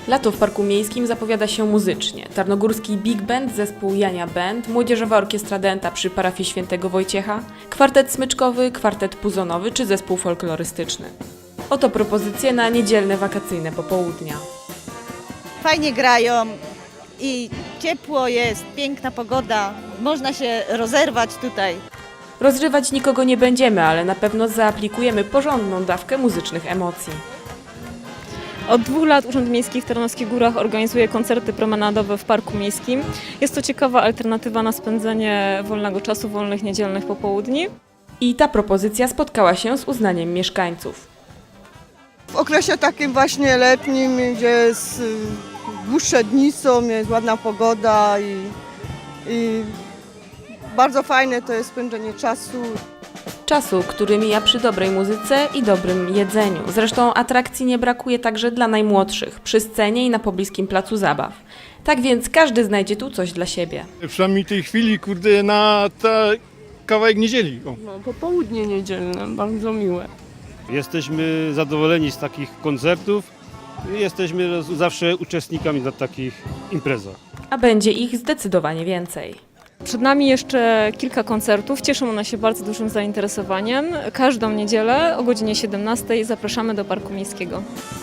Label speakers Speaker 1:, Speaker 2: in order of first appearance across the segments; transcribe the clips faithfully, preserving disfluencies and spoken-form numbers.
Speaker 1: Lato w Parku Miejskim zapowiada się muzycznie. Tarnogórski Big Band, zespół Jania Band, Młodzieżowa Orkiestra Dęta przy parafii Świętego Wojciecha, kwartet smyczkowy, kwartet puzonowy czy zespół folklorystyczny. Oto propozycje na niedzielne wakacyjne popołudnia.
Speaker 2: Fajnie grają i ciepło jest, piękna pogoda, można się rozerwać tutaj.
Speaker 1: Rozrywać nikogo nie będziemy, ale na pewno zaaplikujemy porządną dawkę muzycznych emocji.
Speaker 3: Od dwóch lat Urząd Miejski w Tarnowskich Górach organizuje koncerty promenadowe w Parku Miejskim. Jest to ciekawa alternatywa na spędzenie wolnego czasu, wolnych niedzielnych popołudni.
Speaker 1: I ta propozycja spotkała się z uznaniem mieszkańców.
Speaker 4: W okresie takim właśnie letnim, gdzie jest y, dłuższe dni są, jest ładna pogoda i, i bardzo fajne to jest spędzenie czasu.
Speaker 1: Czasu, który mija przy dobrej muzyce i dobrym jedzeniu. Zresztą atrakcji nie brakuje także dla najmłodszych, przy scenie i na pobliskim placu zabaw. Tak więc każdy znajdzie tu coś dla siebie.
Speaker 5: Przynajmniej tej chwili, kurde, na ta kawałek niedzieli. O.
Speaker 6: No, popołudnie niedzielne, bardzo miłe.
Speaker 7: Jesteśmy zadowoleni z takich koncertów i jesteśmy zawsze uczestnikami na takich imprezach.
Speaker 1: A będzie ich zdecydowanie więcej.
Speaker 3: Przed nami jeszcze kilka koncertów. Cieszą one się bardzo dużym zainteresowaniem. Każdą niedzielę o godzinie siedemnastej zapraszamy do Parku Miejskiego.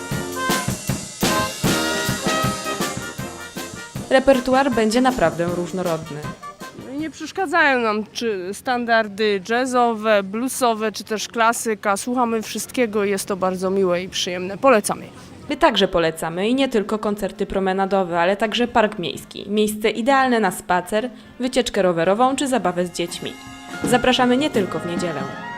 Speaker 1: Repertuar będzie naprawdę różnorodny.
Speaker 6: No i nie przeszkadzają nam czy standardy jazzowe, bluesowe, czy też klasyka. Słuchamy wszystkiego i jest to bardzo miłe i przyjemne. Polecamy.
Speaker 1: My także polecamy i nie tylko koncerty promenadowe, ale także Park Miejski. Miejsce idealne na spacer, wycieczkę rowerową czy zabawę z dziećmi. Zapraszamy nie tylko w niedzielę.